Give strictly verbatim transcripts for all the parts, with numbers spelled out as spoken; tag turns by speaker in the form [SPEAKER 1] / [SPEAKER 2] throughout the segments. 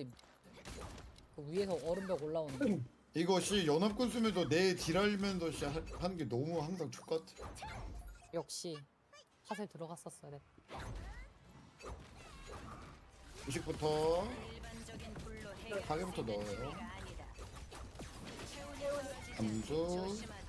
[SPEAKER 1] 근데 그 위에서 얼음벽 올라오는 거.
[SPEAKER 2] 이거 씨 연합군 쓰면서 내 딜하면서 씨 하- 하는 게 너무 항상 족같아.
[SPEAKER 1] 역시 핫에 들어갔었어야 돼.
[SPEAKER 2] 의식부터
[SPEAKER 3] 일반적인 불로 해결
[SPEAKER 2] 가게부터 넣어요.
[SPEAKER 3] 문제가 아니다. 체온이 떨어지지
[SPEAKER 2] 감수.
[SPEAKER 3] 않게 조심하자.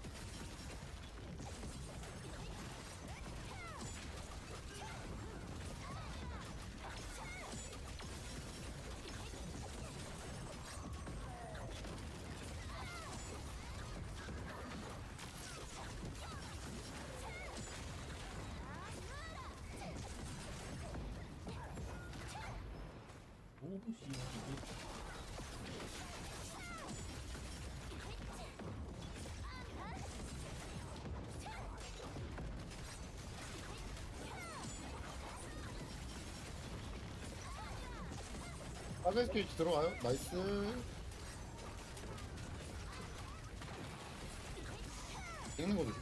[SPEAKER 4] 오씨
[SPEAKER 2] 가게 스테이지 들어와요. 나이스. 읽는 거죠.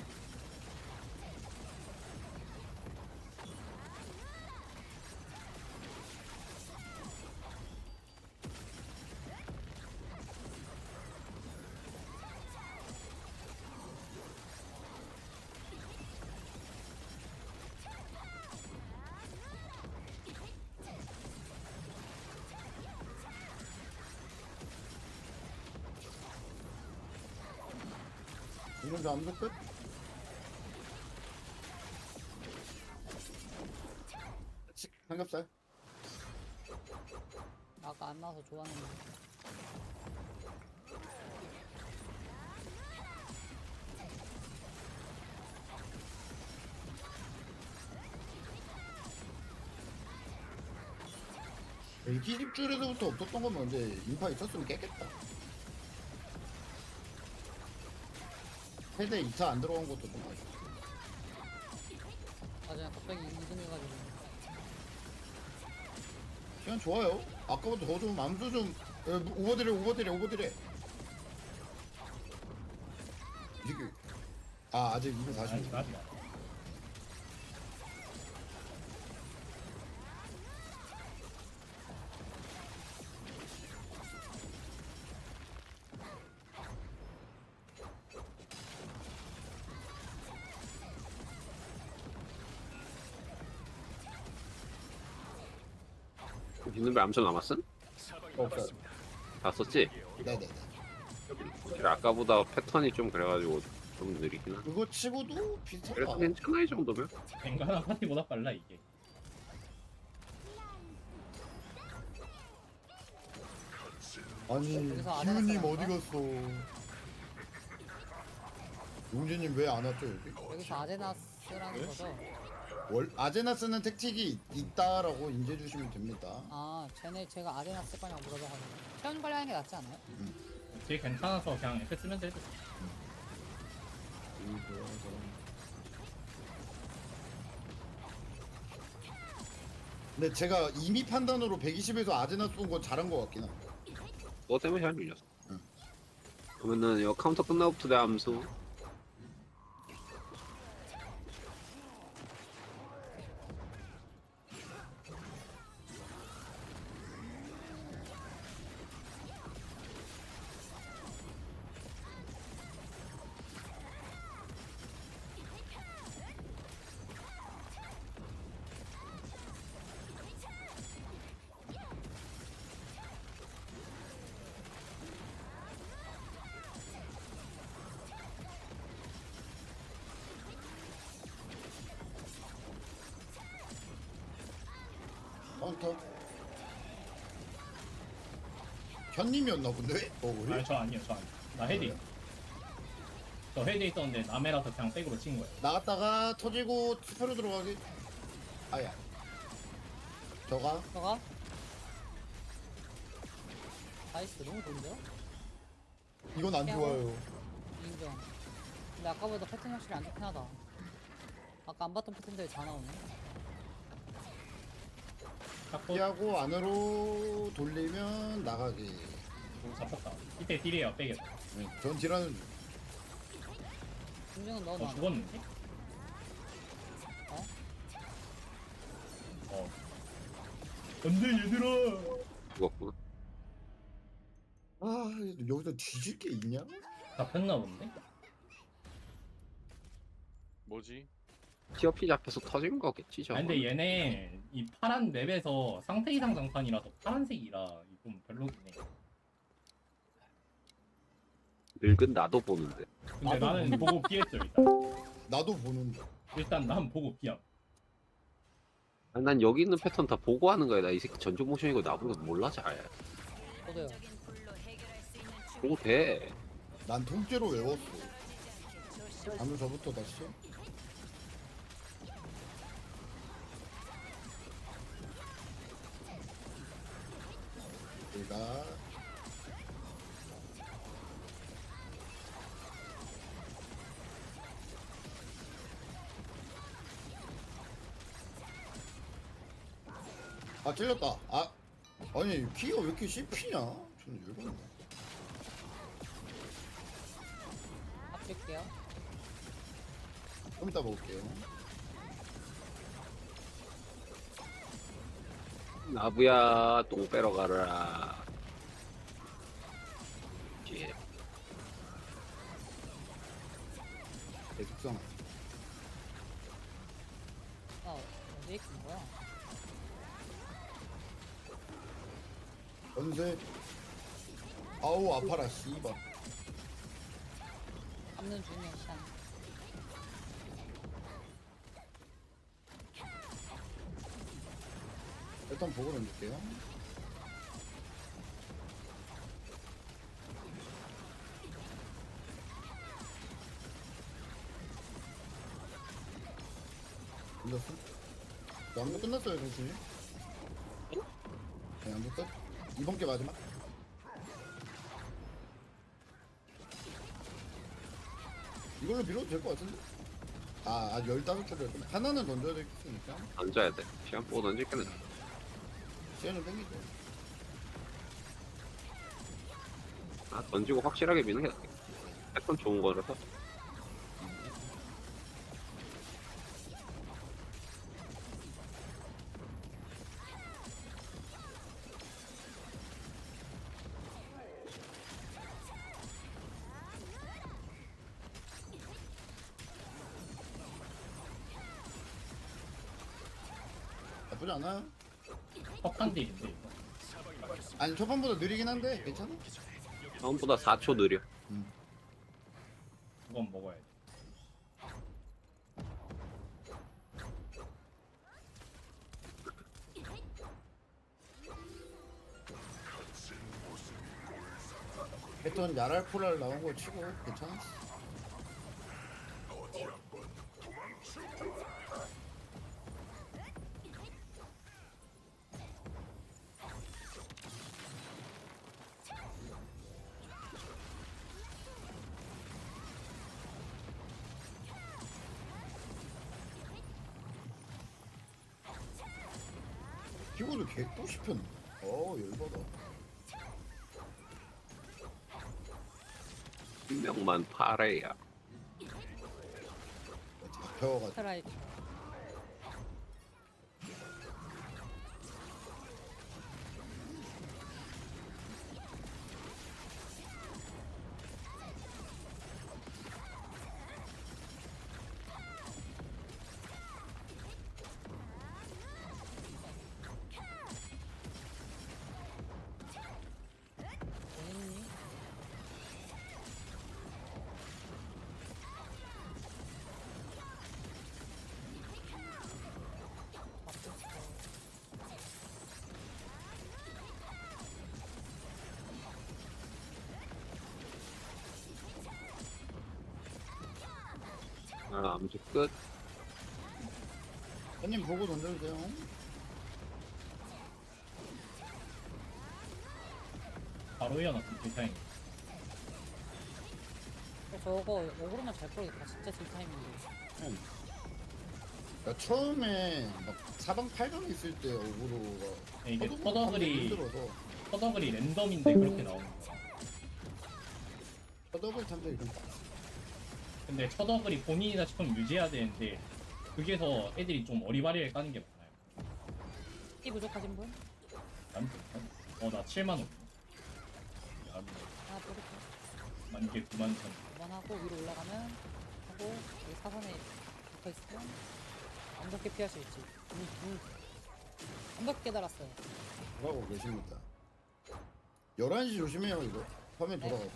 [SPEAKER 2] 이런 거 암수 끝. 치- 삼겹살.
[SPEAKER 1] 아까 안 나와서 좋았는데.
[SPEAKER 2] 일기십 줄에서부터 없었던 거면 이제 인파 있었으면 깼겠다. 세대 이 차 안 들어간 것도 좀 아쉽다.
[SPEAKER 1] 맞아, 갑자기 이 등 해가지고.
[SPEAKER 2] 시간 좋아요. 아까보다 더 좀 암수 좀 에, 오버드래 오버드래 오버드래. 이게 아 아직 이백사십.
[SPEAKER 4] 아직 아직 아직.
[SPEAKER 5] 있는 배 암살 남았음?
[SPEAKER 2] 없어요.
[SPEAKER 5] 다 썼지?
[SPEAKER 2] 네네네.
[SPEAKER 5] 사실 아까보다 패턴이 좀 그래가지고 좀 느리긴 하네.
[SPEAKER 2] 그거 치고도 비슷하다.
[SPEAKER 5] 그래도 괜찮아 이 정도면?
[SPEAKER 4] 뱅가나 파티보다 빨라 이게.
[SPEAKER 2] 아니
[SPEAKER 1] 여기서 안
[SPEAKER 2] 기훈님
[SPEAKER 1] 해놨어,
[SPEAKER 2] 어디 갔어? 용진님 왜 안 왔죠 여기?
[SPEAKER 1] 여기서 아제나스라는 거죠?
[SPEAKER 2] 월 아제나스는 택틱이 있다라고 인지해 주시면 됩니다.
[SPEAKER 1] 아, 쟤네 제가 아제나스 거냐고 물어봐가지고. 체온 관리하는 게 낫지 않아요?
[SPEAKER 4] 되게 괜찮아서 그냥 F 쓰면서 해도 돼.
[SPEAKER 2] 근데 제가 이미 판단으로 백이십에서 아제나스 온 건 잘한 것 같긴 해.
[SPEAKER 5] 너 때문에 잘 밀렸어.
[SPEAKER 2] 응.
[SPEAKER 5] 그러면은 이거 카운터 끝나고부터 내 암수.
[SPEAKER 2] 카운터. 현님이었나 본데? 어 우리?
[SPEAKER 4] 아니 저 아니에요 저 아니에요. 나 헤디. 저 헤디 있었는데 남해라서 그냥 백으로 친 거예요.
[SPEAKER 2] 나갔다가 터지고 스페로 들어가기. 아야. 저가
[SPEAKER 1] 저가? 나이스, 너무 좋은데요?
[SPEAKER 2] 이건 안 좋아요.
[SPEAKER 1] 인정. 근데 아까보다 패턴이 확실히 안 좋긴 하다. 아까 안 봤던 패턴들이 다 나오네.
[SPEAKER 4] 잡고
[SPEAKER 2] 피하고 안으로 돌리면 나가기.
[SPEAKER 4] 오, 잡혔다. 이때 딜이에요 백에서.
[SPEAKER 2] 네, 전 딜하는 중.
[SPEAKER 1] 김정은
[SPEAKER 4] 어
[SPEAKER 1] 넣어놔.
[SPEAKER 4] 죽었는데?
[SPEAKER 1] 어?
[SPEAKER 4] 어. 안돼 얘들아.
[SPEAKER 5] 죽었구나.
[SPEAKER 2] 아 여기서 뒤질 게 있냐?
[SPEAKER 4] 잡혔나 본데?
[SPEAKER 6] 뭐지?
[SPEAKER 5] 티어피 잡혀서 터진 거겠지 저거.
[SPEAKER 4] 아 근데 얘네 이 파란 맵에서 상태 이상 장판이라서 파란색이라 좀 별로긴 해.
[SPEAKER 5] 늙은 나도 보는데.
[SPEAKER 4] 근데
[SPEAKER 2] 나도
[SPEAKER 4] 나는 보고 피했어 일단.
[SPEAKER 2] 나도 보는데.
[SPEAKER 4] 일단 난 보고 피함.
[SPEAKER 5] 아, 난 여기 있는 패턴 다 보고 하는 거야. 나 이 새끼 전조 모션이고 나보고 몰라 잘.
[SPEAKER 1] 저도요.
[SPEAKER 3] 인적인 불로 해결할 수 있는
[SPEAKER 5] 보고 돼.
[SPEAKER 2] 난 통째로 외웠어.
[SPEAKER 3] 떨어지지 않게 조심.
[SPEAKER 2] 다음 저부터 다시. 내가 아 찔렸다. 아 아니 키가 왜 이렇게 씹히냐? 저는 열받네.
[SPEAKER 1] 아낄게요.
[SPEAKER 2] 좀 이따 먹을게요.
[SPEAKER 5] 나부야 똥 빼러 가라. 예.
[SPEAKER 2] 계속상.
[SPEAKER 1] 아, 어디에 있는 거야?
[SPEAKER 2] 연세. 아우 아파라 씨발.
[SPEAKER 1] 잡는 중이야, 샨.
[SPEAKER 2] 일단 보고 던질게요. 던졌어? 남도 끝났어요, 선생님. 네, 남도 끝. 이번 게 마지막. 이걸로 밀어도 될 것 같은데? 아, 아 열다섯 개를 했구나. 하나는 던져야 되겠으니까.
[SPEAKER 5] 던져야 돼. 시간 보고 던질게는.
[SPEAKER 2] 시간 좀 땡기죠.
[SPEAKER 5] 아 던지고 확실하게 미는 게 낫겠다. 패턴 좋은 거라서.
[SPEAKER 2] 나쁘지 않아요.
[SPEAKER 4] 퍽한 딜인데 이거.
[SPEAKER 2] 아니, 초반보다 느리긴 한데, 괜찮아?
[SPEAKER 5] 처음보다 사 초 느려.
[SPEAKER 4] 그건 먹어야 돼.
[SPEAKER 2] 패턴 야랄포랄 나온 거 치고, 괜찮아? 키보드 개또 씹혔네. 어, 열받아.
[SPEAKER 5] 한 명만 파래야.
[SPEAKER 2] 잡혀가지고.
[SPEAKER 1] 트라이. 어딨니?
[SPEAKER 5] 아 암수 끝.
[SPEAKER 2] 형님 보고 던져주세요.
[SPEAKER 4] 바로 이어놨음 딜타임.
[SPEAKER 1] 어, 저거 오그로만 잘 끌어겠다. 진짜 질타임인데.
[SPEAKER 2] 응. 그러니까 처음에 막 사방팔방 있을 때 어그로가
[SPEAKER 4] 이게
[SPEAKER 2] 허둥
[SPEAKER 4] 터더글이
[SPEAKER 2] 힘들어서
[SPEAKER 4] 터더글이 랜덤인데 그렇게 나오는 거야.
[SPEAKER 2] 허더글 탐색이 좀 빡세.
[SPEAKER 4] 근데 터더글이 본인이 다시금 유지해야 되는데 그게서 애들이 좀 어리바리하게 까는 게 많아요.
[SPEAKER 1] 이 부족하신 분?
[SPEAKER 4] 난 괜찮아. 어나 칠만 원. 야,
[SPEAKER 1] 하나 뿌릴게.
[SPEAKER 4] 만개 구만 천.
[SPEAKER 1] 두번 하고 위로 올라가면 하고 여기 사선에 붙어 있으면 완벽히 피할 수 있지. 음, 음. 완벽히 깨달았어요.
[SPEAKER 2] 돌아가고 계십니다. 열한 시 조심해요 이거. 화면
[SPEAKER 1] 네.
[SPEAKER 2] 돌아가고.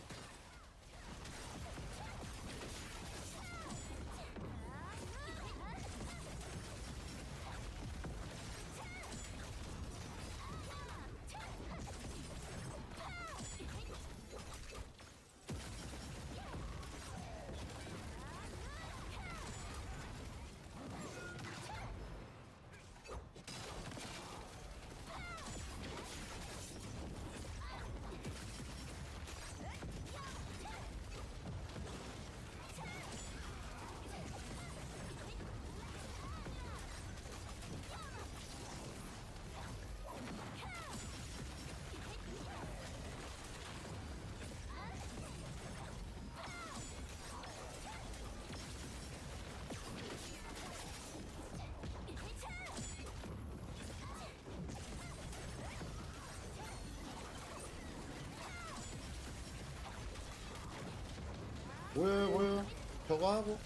[SPEAKER 2] 뭐야 뭐야 저거 하고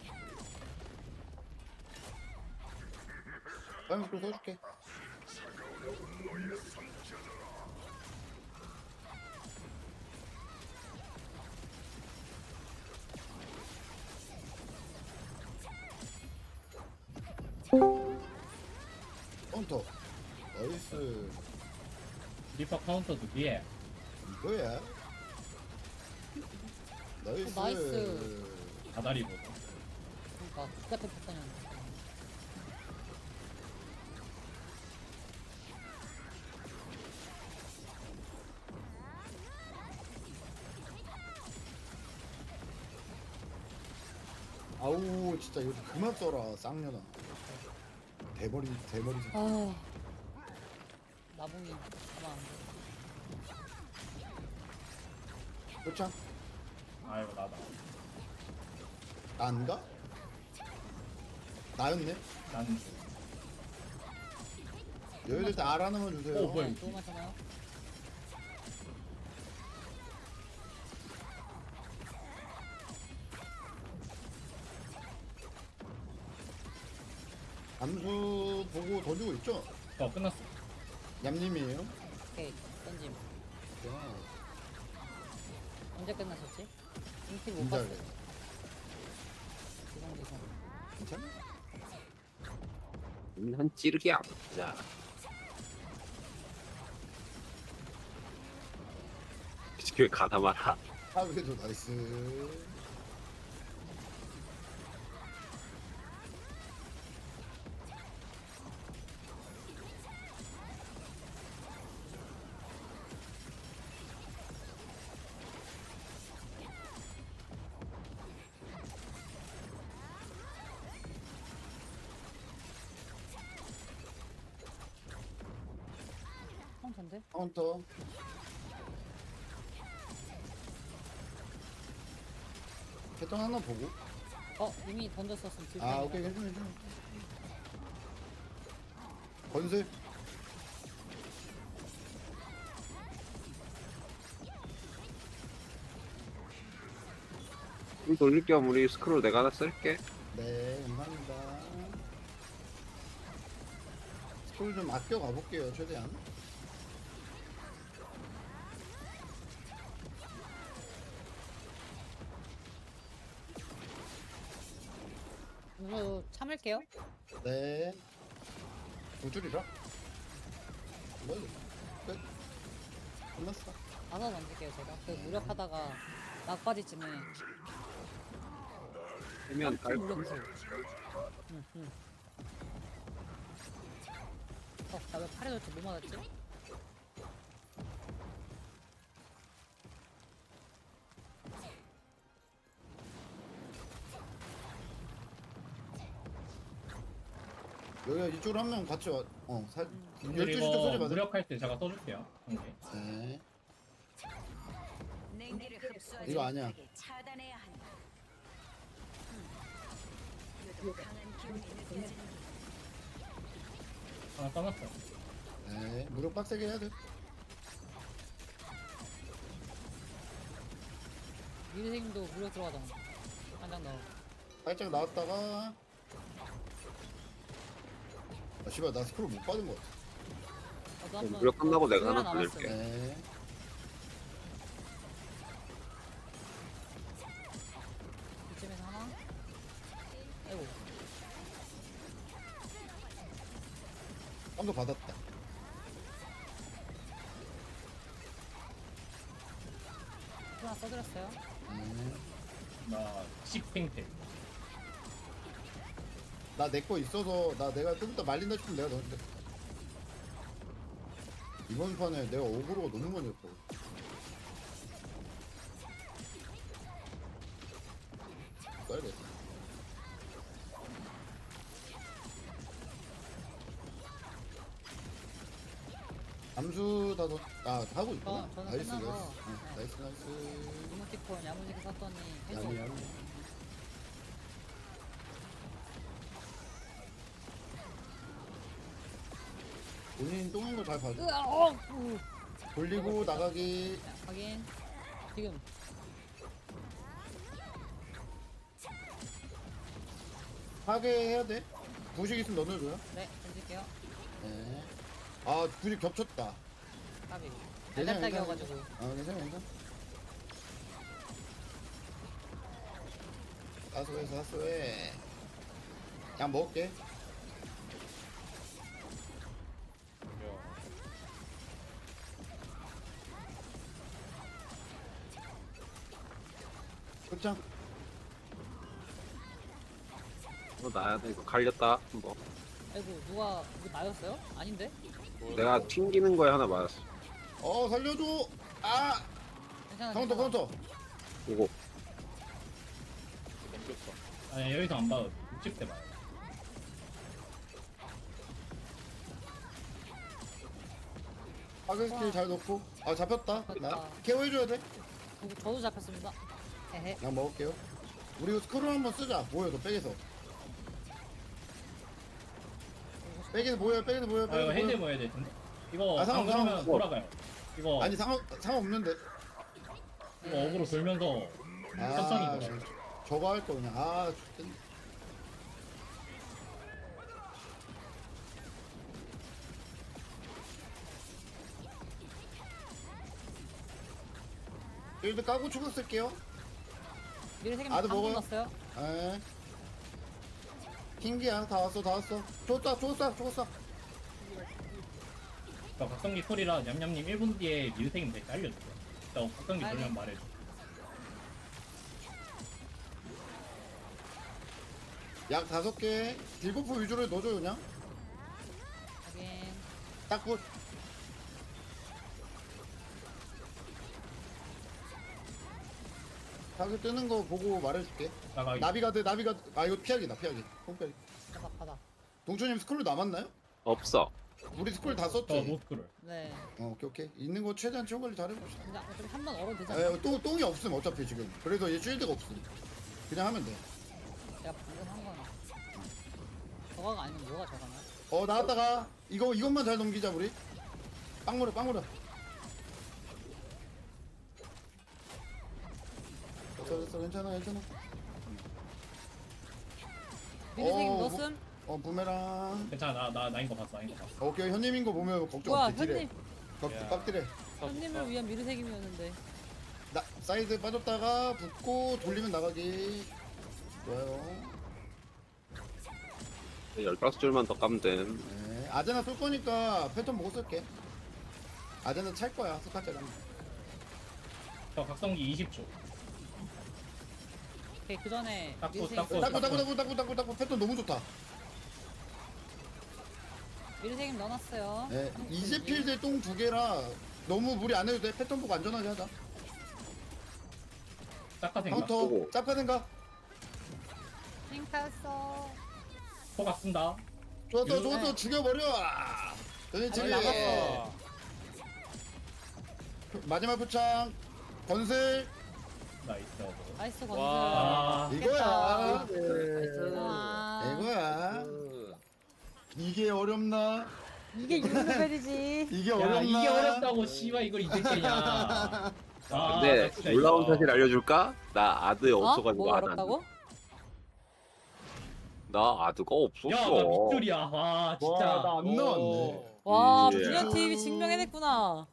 [SPEAKER 2] 빨리 또 써줄게. 카운터 나이스.
[SPEAKER 4] 리퍼 카운터 두 개.
[SPEAKER 2] 이거야 나이스.
[SPEAKER 1] 어, 나이스.
[SPEAKER 4] 다다리 보고.
[SPEAKER 1] 그러니까 똑같은 패턴이었는데.
[SPEAKER 2] 아우 진짜 이거 좀 그만 써라 쌍년아. 대머리 대머리 새끼.
[SPEAKER 1] 아 나봉이 가만 안 돼.
[SPEAKER 2] 그렇죠?
[SPEAKER 4] 아이고 나다.
[SPEAKER 2] 난가? 나였네.
[SPEAKER 4] 난
[SPEAKER 2] 여유될 때 알 하나만 주세요.
[SPEAKER 4] 오, 뭐야.
[SPEAKER 1] 너무 많잖아요.
[SPEAKER 2] 암수 보고 던지고 있죠?
[SPEAKER 4] 어 끝났어.
[SPEAKER 2] 얌님이에요.
[SPEAKER 1] 오케이 던짐.
[SPEAKER 2] 와,
[SPEAKER 1] 언제 끝나셨지? 인티 못
[SPEAKER 2] 진짜
[SPEAKER 1] 봤어요. 지성지성.
[SPEAKER 2] 괜찮아?
[SPEAKER 5] 한 찌르기 아프자. 그 가다 말아.
[SPEAKER 2] 아 그래도 나이스.
[SPEAKER 1] 카운터인데?
[SPEAKER 2] 카운터. 패턴 하나 보고.
[SPEAKER 1] 어 이미 던졌었으면 딜
[SPEAKER 2] 아 오케이 괜찮아 괜찮아. 건슬.
[SPEAKER 5] 좀 돌릴 겸 우리 스크롤 내가 하나 쓸게.
[SPEAKER 2] 네 감사합니다. 스쿨 좀 아껴 가볼게요 최대한.
[SPEAKER 1] 이거 참을게요.
[SPEAKER 2] 네. 두 줄이라? 뭐, 끝. 끝났어.
[SPEAKER 1] 가서 던질게요 제가. 그 무력하다가 막바지쯤에
[SPEAKER 5] 해면
[SPEAKER 1] 좀
[SPEAKER 5] 깔끔.
[SPEAKER 1] 물려보세요. 응 응. 어나 왜 팔에 졌지? 뭐 맞았지?
[SPEAKER 2] 여기가 이쪽으로 한 명 같이 와. 어, 살. 열두 시 쪽
[SPEAKER 4] 그리고
[SPEAKER 2] 소리 맞아.
[SPEAKER 4] 무력할 때 제가 써줄게요. 한 개.
[SPEAKER 2] 네.
[SPEAKER 3] 냉기를 흡수하지
[SPEAKER 2] 이거 아니야.
[SPEAKER 3] 못하게 차단해야 한다. 음. 유독 강한 기운이 느껴지는
[SPEAKER 4] 하나 써놨어.
[SPEAKER 2] 네. 무력 빡세게 해야 돼.
[SPEAKER 1] 미르생님도 무력 들어가잖아. 한 장 넣어.
[SPEAKER 2] 살짝 나왔다가 아 씨발 나 스크롤 못 받은 것 같아.
[SPEAKER 1] 나도 한번.
[SPEAKER 5] 무력 끝나고 내가
[SPEAKER 1] 두 개나
[SPEAKER 5] 하나
[SPEAKER 1] 남았어요.
[SPEAKER 5] 돌릴게.
[SPEAKER 2] 네.
[SPEAKER 1] 이쯤에서 하나. 아이고.
[SPEAKER 2] 한번 받았다.
[SPEAKER 1] 하나 써드렸어요.
[SPEAKER 2] 네.
[SPEAKER 4] 나 식탱탱.
[SPEAKER 2] 나 내 거 있어서 나 내가 좀 이따 말린다 싶으면 내가 넣을게. 이번 판에 내가 오그로가 너무 많이 했고. 써야겠다. 암수 다 넣, 아, 하고 있구나.
[SPEAKER 1] 어, 저는
[SPEAKER 2] 나이스,
[SPEAKER 1] 끝나서,
[SPEAKER 2] 나이스. 응,
[SPEAKER 1] 네.
[SPEAKER 2] 나이스, 나이스.
[SPEAKER 1] 이모티콘 야무지게 샀더니 해줘.
[SPEAKER 2] 야미, 야미. 본인 똥인 거 잘 봐줘.
[SPEAKER 1] 으아, 어! 우.
[SPEAKER 2] 돌리고 나가기.
[SPEAKER 1] 자, 확인. 지금.
[SPEAKER 2] 파괴해야 돼. 부식 있으면 넣어줘요.
[SPEAKER 1] 네, 던질게요.
[SPEAKER 2] 네. 아, 부식 겹쳤다.
[SPEAKER 1] 까비.
[SPEAKER 2] 괜찮아,
[SPEAKER 1] 달달딱이어가지고.
[SPEAKER 2] 아, 괜찮아, 괜찮아. 사소해, 사소해. 그냥 먹을게. 그쵸?
[SPEAKER 5] 이거 나야 돼. 이거 갈렸다. 뭐
[SPEAKER 1] 아이고, 누가, 이거 나였어요? 아닌데?
[SPEAKER 5] 내가 튕기는 거에 하나 맞았어.
[SPEAKER 2] 어, 살려줘! 아!
[SPEAKER 1] 괜찮아.
[SPEAKER 2] 카운터,
[SPEAKER 1] 괜찮아.
[SPEAKER 2] 카운터!
[SPEAKER 5] 보고
[SPEAKER 4] 아니 여기서 안 봐도 육십 대 봐요.
[SPEAKER 2] 파괴 스킬 잘 넣고. 아, 잡혔다. 나
[SPEAKER 1] 잡혔다.
[SPEAKER 2] 케어해줘야 돼.
[SPEAKER 1] 저- 저도 잡혔습니다. 헤헤.
[SPEAKER 2] 그냥 먹을게요. 우리 이거 스크롤 한번 쓰자. 모여서, 백에서. 백에서 모여, 백에서 모여,
[SPEAKER 4] 아 이거
[SPEAKER 2] 백에서
[SPEAKER 4] 헤드
[SPEAKER 2] 모여.
[SPEAKER 4] 모여야 될 텐데. 이거
[SPEAKER 2] 아,
[SPEAKER 4] 안
[SPEAKER 2] 상관-
[SPEAKER 4] 그러면
[SPEAKER 2] 상관-
[SPEAKER 4] 돌아가요. 이거
[SPEAKER 2] 아니, 상관, 상관없는데.
[SPEAKER 4] 이거 어그로 돌면서 천천히
[SPEAKER 2] 아,
[SPEAKER 4] 돌아.
[SPEAKER 2] 저거 할 거 그냥. 아, 좋겠네. 일드 까고 추가 쓸게요.
[SPEAKER 1] 미르세님
[SPEAKER 2] 아드
[SPEAKER 1] 방금
[SPEAKER 2] 먹어요?
[SPEAKER 1] 넣었어요?
[SPEAKER 2] 에. 킹기야, 다 왔어, 다 왔어. 줬다, 줬어, 줬어.
[SPEAKER 4] 저 각성기 콜이라 냠냠님 일 분 뒤에 미르생님 될때 알려줄게요. 저 각성기
[SPEAKER 1] 아니.
[SPEAKER 4] 돌면 말해줘.
[SPEAKER 2] 약 다섯 개. 딜버프 위주로 넣어줘 그냥.
[SPEAKER 1] 확인.
[SPEAKER 2] 딱 굿. 타겟 뜨는 거 보고 말해줄게.
[SPEAKER 4] 나가기.
[SPEAKER 2] 나비가드, 나비가드. 아, 이거 피하기다, 피하기. 홈피하기.
[SPEAKER 1] 바닥, 바닥.
[SPEAKER 2] 동초님 스크롤 남았나요?
[SPEAKER 5] 없어.
[SPEAKER 2] 우리 스크롤 다
[SPEAKER 4] 저
[SPEAKER 2] 썼지?
[SPEAKER 4] 노스크를.
[SPEAKER 1] 네.
[SPEAKER 2] 어, 오케이, 오케이. 있는 거 최대한 치워 관리 잘해봅시다.
[SPEAKER 1] 그냥 어차피 한 번 얼어도 되잖아.
[SPEAKER 2] 에, 또, 똥이 없음, 어차피 지금. 그래서 얘 쉴드가 없음. 그냥 하면 돼.
[SPEAKER 1] 내가 방금 한 거는. 저거가 아니면 뭐가 저거냐?
[SPEAKER 2] 어, 나왔다가. 이거, 이것만 잘 넘기자, 우리. 빵물어, 빵물어. 됐어, 됐어. 괜찮아, 괜찮아.
[SPEAKER 1] 미르세님
[SPEAKER 2] 어,
[SPEAKER 1] 넣었음?
[SPEAKER 2] 어, 부메랑.
[SPEAKER 4] 괜찮아 나 나 나인 거 봤어 나인 거 봤어.
[SPEAKER 2] 오케이, 현님인 거 보면 걱정
[SPEAKER 1] 와,
[SPEAKER 2] 없지, 딜에.
[SPEAKER 1] 현님.
[SPEAKER 2] 각- 깍딜해.
[SPEAKER 1] 현님을 위한 미르세김이었는데.
[SPEAKER 2] 나, 사이드 빠졌다가 붙고 돌리면 나가기. 좋아요.
[SPEAKER 5] 열다섯 줄만 더 까면 돼.
[SPEAKER 2] 네. 아제나 쏠 거니까 패턴 보고 쓸게. 아제나 찰 거야, 스카트랑.
[SPEAKER 4] 저 각성기 이십 초.
[SPEAKER 1] 오케이, 그 전에
[SPEAKER 4] 닦고,
[SPEAKER 1] 미르세김
[SPEAKER 4] 닦고.
[SPEAKER 1] 써-
[SPEAKER 2] 따고, 따고, 따고, 따고, 따고, 따고. 패턴 너무 좋다.
[SPEAKER 1] 미르세김 넣어놨어요.
[SPEAKER 2] 네. 이제 필드 똥 두 개라 너무 무리 안 해도 돼. 패턴 보고 안전하게 하자.
[SPEAKER 4] 짝가생가.
[SPEAKER 2] 카운터,
[SPEAKER 5] 보고.
[SPEAKER 2] 짭가 생각.
[SPEAKER 1] 핑크했어.
[SPEAKER 4] 포각 쓴다.
[SPEAKER 2] 좋았어,
[SPEAKER 4] 이거-
[SPEAKER 2] 좋았어. 죽여버려. 그렇지.
[SPEAKER 1] 아니, 나갔어.
[SPEAKER 2] 마지막 표창. 건슬.
[SPEAKER 4] 나이스.
[SPEAKER 1] 나이스 건슬.
[SPEAKER 4] 아
[SPEAKER 2] 이거야.
[SPEAKER 1] 깼다.
[SPEAKER 2] 네.
[SPEAKER 1] 와.
[SPEAKER 2] 이거야. 이게 어렵나?
[SPEAKER 1] 이게 유니벨이지.
[SPEAKER 2] 이게
[SPEAKER 4] 야
[SPEAKER 2] 어렵나?
[SPEAKER 4] 이게 어렵다고 씨발 이걸 이제 깨냐. 아,
[SPEAKER 5] 근데
[SPEAKER 4] 나 진짜
[SPEAKER 5] 놀라운
[SPEAKER 4] 이거-
[SPEAKER 5] 사실 알려줄까? 나 아드
[SPEAKER 1] 어?
[SPEAKER 5] 없어가지고
[SPEAKER 1] 뭐가
[SPEAKER 5] 아드 안
[SPEAKER 1] 어렵다고?
[SPEAKER 5] 돼. 나 아드가 없었어.
[SPEAKER 4] 야, 나 밑줄이야. 와, 진짜.
[SPEAKER 2] 와, 나안
[SPEAKER 4] 오.
[SPEAKER 2] 나왔네.
[SPEAKER 1] 와
[SPEAKER 5] 예.
[SPEAKER 1] 불리언 티비 증명해냈구나.